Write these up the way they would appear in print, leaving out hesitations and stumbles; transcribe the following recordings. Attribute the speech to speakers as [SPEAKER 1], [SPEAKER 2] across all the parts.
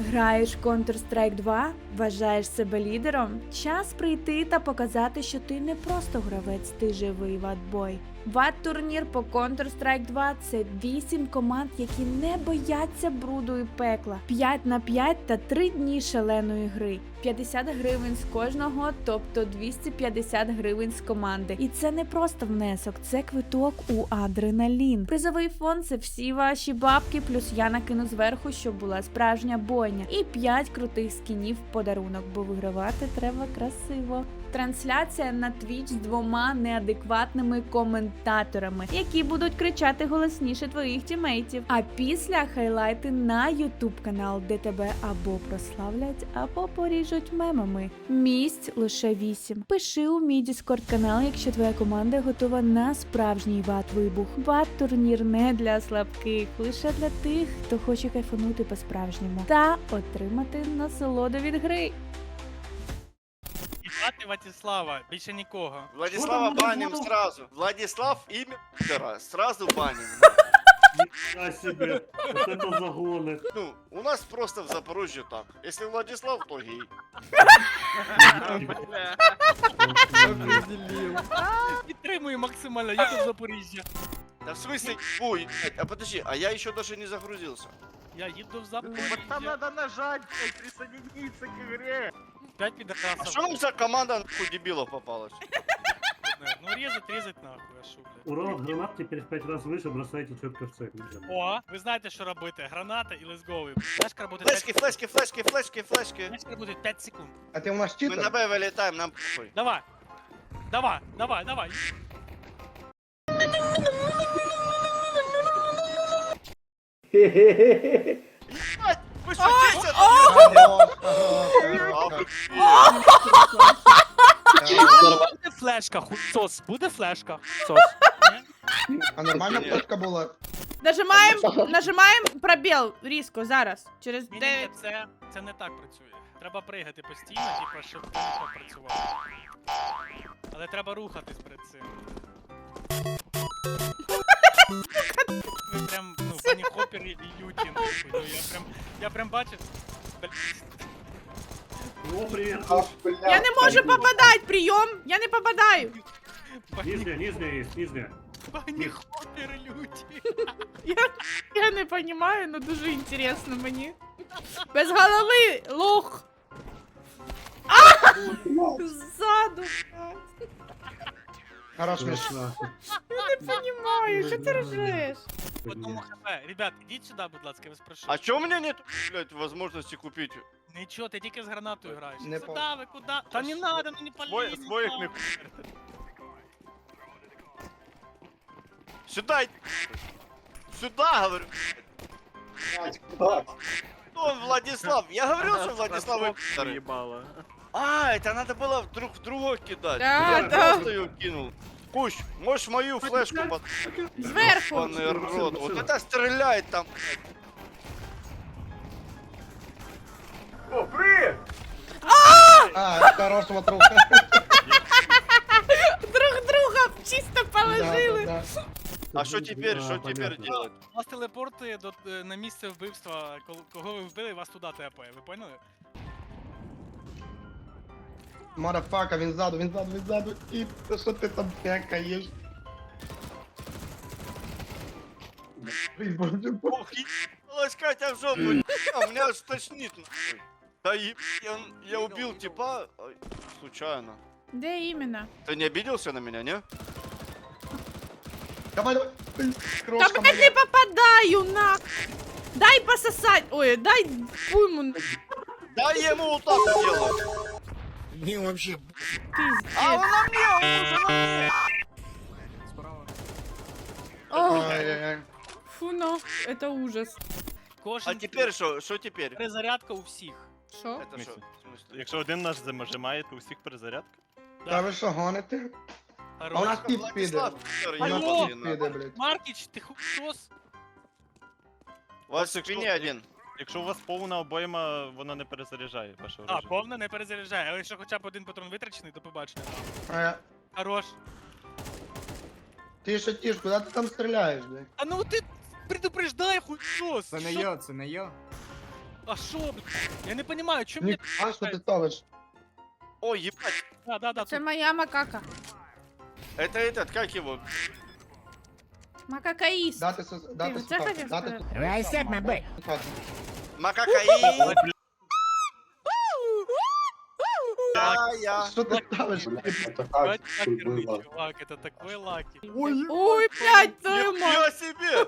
[SPEAKER 1] Граєш в Counter-Strike 2? Вважаєш себе лідером? Час прийти та показати, що ти не просто гравець, ти живий ватбой. Ват-турнір по Counter-Strike 2 – це 8 команд, які не бояться бруду і пекла. 5 на 5 та 3 дні шаленої гри. 50 гривень з кожного, тобто 250 гривень з команди. І це не просто внесок, це квиток у адреналін. Призовий фонд – це всі ваші бабки, плюс я накину зверху, щоб була справжня бойня. І 5 крутих скінів в подарунок, бо вигравати треба красиво. Трансляція на Twitch з 2 неадекватними коментаторами, які будуть кричати голосніше твоїх тімейтів. А після хайлайти на YouTube канал, де тебе або прославлять, або поріжуть мемами. Місць лише 8. Пиши у мій Discord канал, якщо твоя команда готова на справжній ват-вибух. Ват-турнір не для слабких, лише для тих, хто хоче кайфанути по-справжньому та отримати насолоду від гри.
[SPEAKER 2] Звати Владислава, більше нікого.
[SPEAKER 3] Владислава баним сразу. Владислав имя пидора, сразу баним.
[SPEAKER 4] Нифига себе, вот это загоны.
[SPEAKER 3] Ну, у нас просто в Запорожье так. Если Владислав, то гей.
[SPEAKER 2] Підтримую максимально, я тут в Запоріжжя.
[SPEAKER 3] Да в смысле, ой, а подожди, а я еще даже не загрузился.
[SPEAKER 2] Я їду в Запоріжжя.
[SPEAKER 5] Там надо нажать, блядь, присоединиться к игре.
[SPEAKER 2] 5
[SPEAKER 3] А
[SPEAKER 2] підрасов.
[SPEAKER 3] что вам за команда нахуй дебилов попалась?
[SPEAKER 2] Ну резать нахуй, а шо, блядь.
[SPEAKER 4] Урон от гранат теперь в 5 раз выше, бросайте четко в цель.
[SPEAKER 2] О, ви знаєте, що робити. Граната і let's go. Флешка работает 5
[SPEAKER 3] Флешки, флешки, флешки, флешки, флешки.
[SPEAKER 2] Флешка работает 5 секунд.
[SPEAKER 5] А ты у нас
[SPEAKER 3] Мы на Б вылетаем, нам похуй.
[SPEAKER 2] Давай. Давай, давай, давай.
[SPEAKER 3] Ебать, вы шутите?
[SPEAKER 2] Буде флешка, хуйсос. Буде флешка. Сос.
[SPEAKER 5] А нормальна флешка була?
[SPEAKER 1] Нажимаємо пробіл різко зараз. Через
[SPEAKER 2] Ні,
[SPEAKER 1] 9.
[SPEAKER 2] це не так працює. Треба пригати постійно, типу, щоб ти не так працював. Але треба рухатись перед цим. Ви прям, ну, пані Хоппер і Юті, нахуй. Ну, я прям бачив.
[SPEAKER 4] О, привет.
[SPEAKER 1] Я не можу попадати, прийом! Я не попадаю!
[SPEAKER 4] Нижняя, нижняя есть, нижняя.
[SPEAKER 2] Пані Хоппер і Люті.
[SPEAKER 1] Я не розумію, але дуже інтересно мені. Без голови, лох! Ззаду!
[SPEAKER 5] Хорош, Міш.
[SPEAKER 4] Точно.
[SPEAKER 1] Не розумію, що ти ржеш?
[SPEAKER 2] Одному хп. Ребят, ідіть сюди, будь ласка, я вас прошу.
[SPEAKER 3] А чё у меня нет, блядь, возможности купить?
[SPEAKER 2] Нічого, ти тільки з гранатою граєш.
[SPEAKER 5] Не
[SPEAKER 2] Сюди,
[SPEAKER 5] по-
[SPEAKER 2] ви куди? Та не надо, ну не полізь.
[SPEAKER 3] Своих не Сюда! Сюда, говорю! Кто он, Владислав? Я говорил, что Владислав пидоры. А, это надо было друг в друга кидать.
[SPEAKER 1] Да,
[SPEAKER 3] Я
[SPEAKER 1] да.
[SPEAKER 3] просто ее кинул. Кусь, можешь мою флешку под...
[SPEAKER 1] Зверху!
[SPEAKER 3] Ебаный рот, вот это стреляет там.
[SPEAKER 5] А, хорошого труха.
[SPEAKER 1] Друг друга чисто положили!
[SPEAKER 5] Да.
[SPEAKER 3] А что теперь,
[SPEAKER 4] Да,
[SPEAKER 3] что теперь
[SPEAKER 4] понятно.
[SPEAKER 3] делать?
[SPEAKER 2] Вас телепортує на місце вбивства, кого ви вбили, вас туди тепає, ви поняли?
[SPEAKER 5] Марафака, він ззаду. І що ти там пекаєш? Ой, боже,
[SPEAKER 3] Ох, ебалась Катя в жопу, а меня аж тошнит. нахуй. Да я убил типа ой, случайно.
[SPEAKER 1] Де іменно?
[SPEAKER 3] Ты не обиделся на меня, не?
[SPEAKER 5] Давай.
[SPEAKER 1] Та
[SPEAKER 5] Крошка
[SPEAKER 1] блядь, не попадаю на! Дай пососать! Ой, дай пуйму!
[SPEAKER 3] Да я ему вот так вот делаю.
[SPEAKER 1] Пиздец!
[SPEAKER 3] А он на мне, он уже на мне.
[SPEAKER 1] Ох,
[SPEAKER 5] Ай-яй-яй.
[SPEAKER 1] фу, ну, это ужас.
[SPEAKER 3] А теперь что теперь?
[SPEAKER 2] Перезарядка у всіх.
[SPEAKER 1] Що?
[SPEAKER 3] Это что? В смысле?
[SPEAKER 6] Якщо один наш зажимає, то у всіх перезарядка.
[SPEAKER 5] Та ви що, гоните? А у нас
[SPEAKER 2] Хорош.
[SPEAKER 5] тип піде.
[SPEAKER 3] Владислав, пидор,
[SPEAKER 5] У нас
[SPEAKER 2] Алло!
[SPEAKER 5] тип піде, блядь.
[SPEAKER 2] Маркіч, ти хуйсос?
[SPEAKER 3] У вас в спине один.
[SPEAKER 6] Якщо у вас повна обойма, вона не перезаряджає ваше
[SPEAKER 2] А,
[SPEAKER 6] оружие.
[SPEAKER 2] повна не перезаряджає, але якщо хоча б один патрон витрачений, то побачення. Хорош.
[SPEAKER 5] Тише, куди ти там стріляєш, блядь?
[SPEAKER 2] А ну ти предупреждай, хуйсос!
[SPEAKER 7] Це не
[SPEAKER 2] Що-
[SPEAKER 7] я, це не я.
[SPEAKER 2] А шо, блядь? Я не понимаю, чому
[SPEAKER 5] Ні,
[SPEAKER 2] мені...
[SPEAKER 5] а що ти ставиш?
[SPEAKER 3] Ой, ебать.
[SPEAKER 2] Да,
[SPEAKER 1] Це
[SPEAKER 2] тут.
[SPEAKER 1] моя макака.
[SPEAKER 3] Это этот, как его?
[SPEAKER 1] Макакаїст.
[SPEAKER 5] Дати
[SPEAKER 1] Ти це
[SPEAKER 5] сухати,
[SPEAKER 1] хотів
[SPEAKER 5] дати
[SPEAKER 1] сказати?
[SPEAKER 5] сухати.
[SPEAKER 3] Макакаи. Я.
[SPEAKER 5] Що ти ставиш?
[SPEAKER 2] Бать, лакерный чувак, это такой лаки.
[SPEAKER 1] Ой, блядь, твою мать.
[SPEAKER 3] Нихуя себе!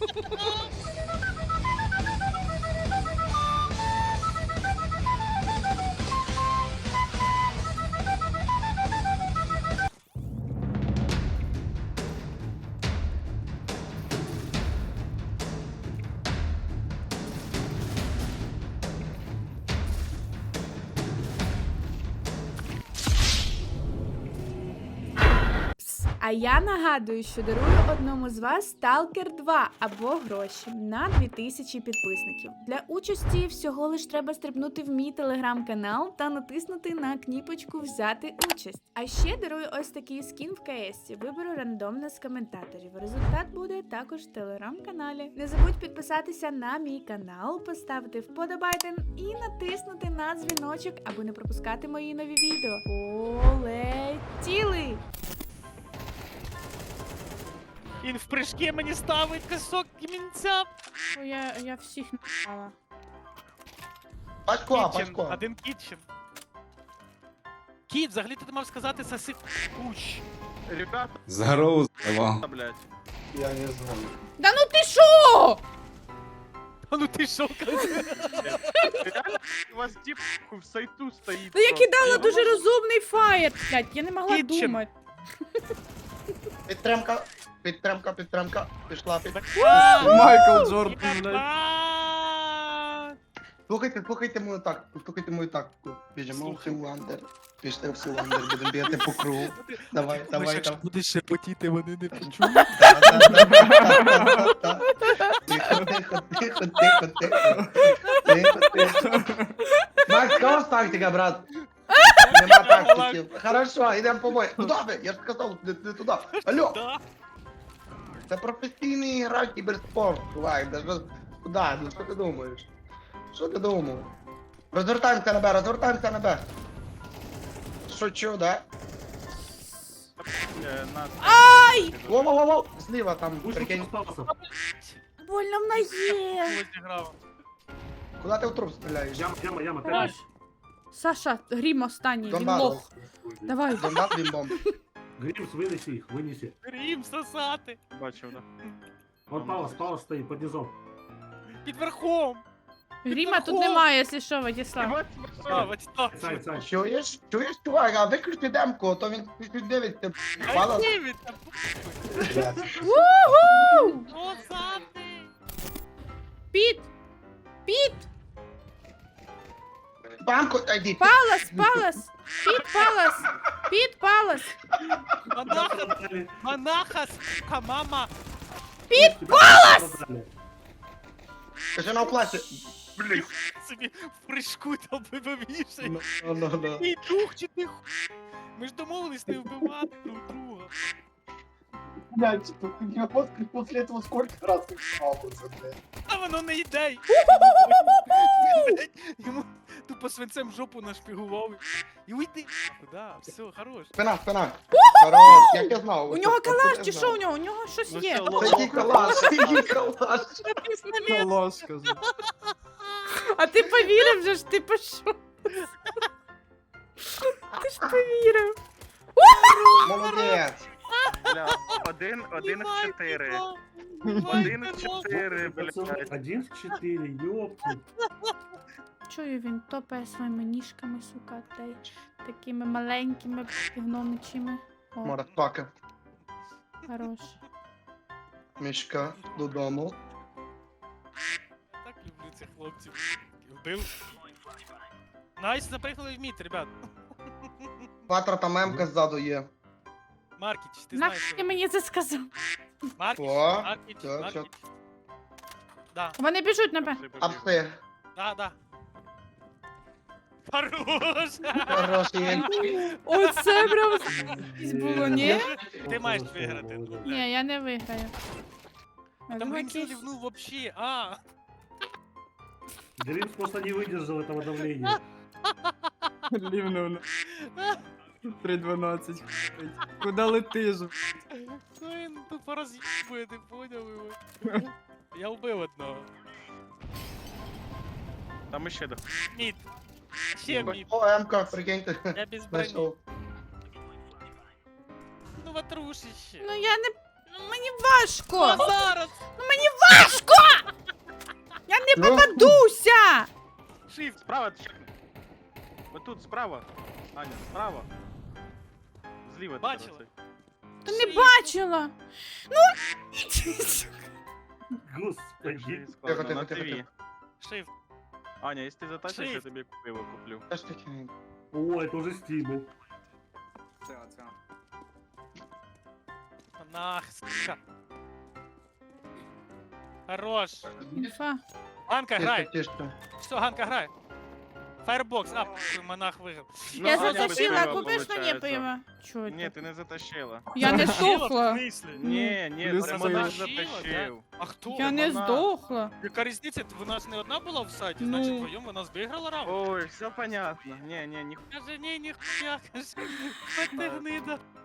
[SPEAKER 1] А я нагадую, що дарую одному з вас Stalker 2 або гроші на 2000 підписників. Для участі всього лиш треба стрибнути в мій телеграм-канал та натиснути на кніпочку Взяти участь. А ще дарую ось такий скін в КС. Виберу рандомно з коментаторів. Результат буде також в телеграм-каналі. Не забудь підписатися на мій канал, поставити вподобайден і натиснути на дзвіночок, аби не пропускати мої нові відео. Полетіли!
[SPEAKER 2] Він в прыжки мені ставить косок кімінця.
[SPEAKER 1] Я всіх напала.
[SPEAKER 5] Пачко,
[SPEAKER 2] Кітчен,
[SPEAKER 5] пачко.
[SPEAKER 2] один кітчен. Кіт, взагалі ти мав сказати соси куч.
[SPEAKER 6] Ребята,
[SPEAKER 7] Здорово, здорово.
[SPEAKER 6] блядь.
[SPEAKER 5] Я не знаю.
[SPEAKER 1] Да ну ти шо?
[SPEAKER 2] А ну ти шо,
[SPEAKER 6] У вас тип в сайту стоїть.
[SPEAKER 1] Ну я
[SPEAKER 6] просто.
[SPEAKER 1] кидала дуже розумний фаєр, блядь, я не могла
[SPEAKER 2] Кітчен.
[SPEAKER 1] думати.
[SPEAKER 5] Підтримка, підтримка, підтримка. Пішла.
[SPEAKER 7] Майкл Джордан, блядь.
[SPEAKER 5] Слухайте мою тактику. Біжимо в Сіландер. Пішли в Сіландер, будемо бігати по кругу. Давай, давай, давай.
[SPEAKER 2] будеш шепотіти, вони не почують.
[SPEAKER 5] Та-та-та-та-та-та. Тихо, тихо, тихо, тихо, тихо. Тихо, тихо. Макс, кого тактика, брат? Нема тактики. Хорошо, йдемо по бою. Куди ви? Я ж сказав, не туди. Алло,
[SPEAKER 2] Да.
[SPEAKER 5] це професійний гра в кіберспорт, чувак. Куди? Ну що ти думаєш? Що ти думав? Розвертаємося на Б, розвертаємося на Б. Шучу, да?
[SPEAKER 1] Ай!
[SPEAKER 5] Воу-воу-воу, зліва там,
[SPEAKER 4] Пусть
[SPEAKER 5] прикинь.
[SPEAKER 4] остался.
[SPEAKER 1] Больно в ноге.
[SPEAKER 2] Ось грав.
[SPEAKER 5] Куди ти в труп стріляєш?
[SPEAKER 4] Яма.
[SPEAKER 1] Хорош. Саша, грім останній, він
[SPEAKER 5] Донбас.
[SPEAKER 1] лох. Давай.
[SPEAKER 5] Бомбат, бім-бом.
[SPEAKER 4] Гримс, вынеси их, вынеси.
[SPEAKER 2] Рім сосати.
[SPEAKER 6] Бачив, да.
[SPEAKER 4] Вот Палас стоит под низом.
[SPEAKER 2] Під верхом.
[SPEAKER 1] Гріма тут немає, якщо що, Владислав.
[SPEAKER 2] А, ось так.
[SPEAKER 4] Сань.
[SPEAKER 5] Чуєш, чувак, а виключи демку, а то він чуть дивиться. Мало.
[SPEAKER 2] Ай, там.
[SPEAKER 1] Уху!
[SPEAKER 2] Сосати.
[SPEAKER 1] Піт! Піт!
[SPEAKER 5] Банку, йди.
[SPEAKER 1] Палас! Піт Палас! Піт Палас!
[SPEAKER 2] Монаха, сука, мама.
[SPEAKER 4] Палас!
[SPEAKER 5] Кажи на класі.
[SPEAKER 2] Блін. Собі в прыжку там вибивіший.
[SPEAKER 5] Ну.
[SPEAKER 2] Ти дух чи ти ху... Ми ж домовились не вбивати друг друга.
[SPEAKER 8] Блядь, я после этого сколько раз ты жаловался, блядь.
[SPEAKER 2] А воно не йде. Йому тупо свинцем жопу нашпігував. І уйди. Да, все, хорош.
[SPEAKER 5] Спина. Хорош, як я знав.
[SPEAKER 1] У нього
[SPEAKER 5] Оце
[SPEAKER 1] калаш
[SPEAKER 5] я
[SPEAKER 1] чи
[SPEAKER 5] знав.
[SPEAKER 1] що у нього? У нього щось є.
[SPEAKER 5] Це який калаш, калаш.
[SPEAKER 7] Калаш, кажу.
[SPEAKER 1] А ти повірив же ж, ти пішов. Ти ж повірив.
[SPEAKER 5] Молодець.
[SPEAKER 6] Бля, один в 4. Один в 4, блядь.
[SPEAKER 4] 1 в 4, ёпки.
[SPEAKER 1] Чую, він топає своїми ніжками, сука, та й такими маленькими гномичими. О,
[SPEAKER 5] Марафака.
[SPEAKER 1] хорош.
[SPEAKER 5] Мішка додому.
[SPEAKER 2] Так люблю цих хлопців. Вбив. Найс, запригнули в мід, ребят.
[SPEAKER 5] Патра там мемка ззаду є.
[SPEAKER 2] Маркіч, ти знаєш.
[SPEAKER 1] Нахуй
[SPEAKER 2] що
[SPEAKER 1] ти мені це сказав?
[SPEAKER 2] Маркіч,
[SPEAKER 5] О,
[SPEAKER 2] Маркіч,
[SPEAKER 5] чо.
[SPEAKER 2] Маркіч. Да,
[SPEAKER 1] Вони біжуть на Б.
[SPEAKER 5] Апси.
[SPEAKER 2] да. Хорош!
[SPEAKER 5] Хороший.
[SPEAKER 1] Оце прям було, ні?
[SPEAKER 2] Ти маєш виграти.
[SPEAKER 1] Ні, я не виграю.
[SPEAKER 2] Там Рінсел лівнув вообще,
[SPEAKER 4] Дримс просто не выдержал этого давления.
[SPEAKER 7] Лівнув. 3.12. Куда летиш?
[SPEAKER 2] Ну він тупо роз'їбує, ти поняв його? Я вбив одного.
[SPEAKER 6] Там ще до.
[SPEAKER 2] Мід. Ще мід.
[SPEAKER 5] О, М-ка, прикиньте.
[SPEAKER 2] Я без броні.
[SPEAKER 5] Знайшов.
[SPEAKER 2] Ну ватрушище.
[SPEAKER 1] Ну я не. Ну мені важко!
[SPEAKER 2] Ну зараз!
[SPEAKER 1] Ну мені важко! Я не
[SPEAKER 5] Ну.
[SPEAKER 1] попадуся!
[SPEAKER 2] Shift.
[SPEAKER 6] Справа чекни. Ось тут, справа. Аня, справа. Зліва ти
[SPEAKER 2] Бачила?
[SPEAKER 6] оцей.
[SPEAKER 1] Та не бачила!
[SPEAKER 4] Господи.
[SPEAKER 6] Складно,
[SPEAKER 5] Тихо, тихо,
[SPEAKER 6] на
[SPEAKER 5] тихо,
[SPEAKER 6] ТВ.
[SPEAKER 5] тихо.
[SPEAKER 2] Shift.
[SPEAKER 6] Аня, якщо ти затащиш, я
[SPEAKER 2] Shift.
[SPEAKER 6] тобі пиво куплю.
[SPEAKER 5] Що ж таке?
[SPEAKER 4] О, это уже стимул.
[SPEAKER 2] Нах, сука. Хорош.
[SPEAKER 1] Інфа.
[SPEAKER 2] Ганка,
[SPEAKER 5] Тишко,
[SPEAKER 2] грай.
[SPEAKER 5] тишко.
[SPEAKER 2] Все, Ганка, грай. Фаербокс, монах виграв.
[SPEAKER 6] Ну,
[SPEAKER 1] Я
[SPEAKER 6] Аня без
[SPEAKER 1] затащила,
[SPEAKER 6] пива,
[SPEAKER 1] купиш мені
[SPEAKER 6] получається.
[SPEAKER 1] пиво? Чого
[SPEAKER 6] Ні,
[SPEAKER 1] ти?
[SPEAKER 6] ти не затащила.
[SPEAKER 1] Я не здохла.
[SPEAKER 6] Ні,
[SPEAKER 7] Плюс
[SPEAKER 6] це
[SPEAKER 7] це
[SPEAKER 6] монах
[SPEAKER 2] затащила,
[SPEAKER 6] затащив.
[SPEAKER 2] А хто?
[SPEAKER 1] Я не
[SPEAKER 6] вона.
[SPEAKER 1] здохла.
[SPEAKER 2] Яка різниця? Вона ж не одна була в сайті,
[SPEAKER 1] Ну.
[SPEAKER 2] значить вдвоєм вона виграла раунд.
[SPEAKER 6] Ой, все понятно. Ні, ніхуя.
[SPEAKER 2] Каже, ні, ніхуя, каже, що ти гнида.